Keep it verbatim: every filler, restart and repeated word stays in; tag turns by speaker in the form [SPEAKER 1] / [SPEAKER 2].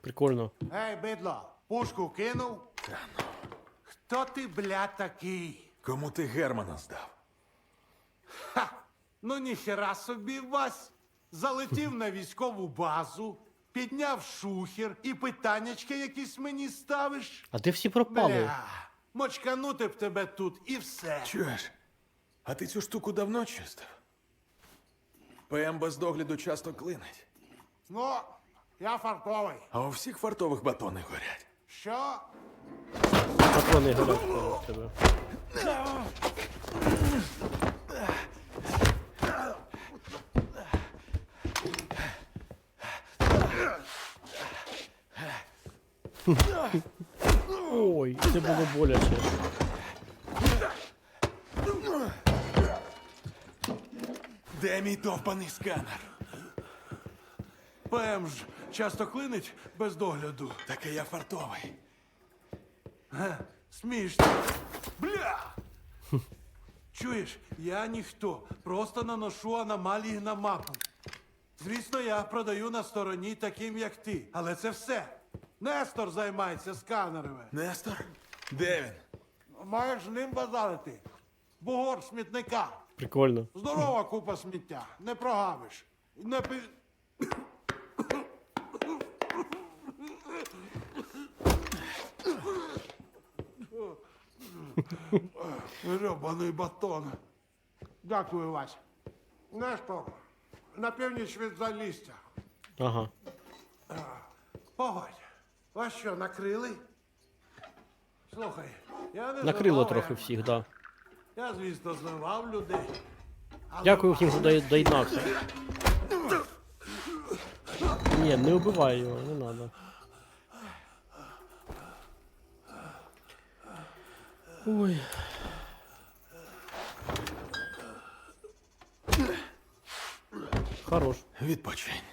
[SPEAKER 1] Прикольно.
[SPEAKER 2] Ей, бидло, пушку кинув? Хто ти, бля, такий?
[SPEAKER 3] Кому ти Германа здав?
[SPEAKER 2] Ха! Ну ніхера собі, Вась. Залетів на військову базу, підняв шухер і питаннячки якісь мені ставиш.
[SPEAKER 1] А де всі пропали?
[SPEAKER 2] Бля, мочканути б тебе тут і все.
[SPEAKER 3] Чуєш? А ти цю штуку давно чистив? ПМ без догляду часто клинить.
[SPEAKER 2] Ну, я фартовий.
[SPEAKER 3] А у всіх фартових батони горять.
[SPEAKER 2] Що?
[SPEAKER 1] Патрони горять в тебе. Ой, це було боляче.
[SPEAKER 3] Де мій довбаний сканер?
[SPEAKER 2] ПМ ж часто клинить без догляду.
[SPEAKER 3] Так і я фартовий.
[SPEAKER 2] Смішно. Бля! Чуєш, я ніхто. Просто наношу аномалії на мапу. Звісно, я продаю на стороні таким, як ти. Але це все. Нестор займається сканерами.
[SPEAKER 3] Нестор? Де він?
[SPEAKER 2] Маєш з ним базарити. Бугор смітника.
[SPEAKER 1] Прикольно.
[SPEAKER 2] Здорова купа сміття. Не прогавиш. Не пи... Гребаний батон. Дякую, Вась. Нестор, на північ від Залісся.
[SPEAKER 1] Ага.
[SPEAKER 2] Погодь, вас що, накрили? Слухай, я не
[SPEAKER 1] Накрило
[SPEAKER 2] зливав,
[SPEAKER 1] трохи
[SPEAKER 2] як-
[SPEAKER 1] всіх, да.
[SPEAKER 2] Я, звісно, зливав людей. Але
[SPEAKER 1] Дякую всім, хто дої- доєднався. Ні, не вбивай його, не надо. Ой. Хорош.
[SPEAKER 3] Відпочинь.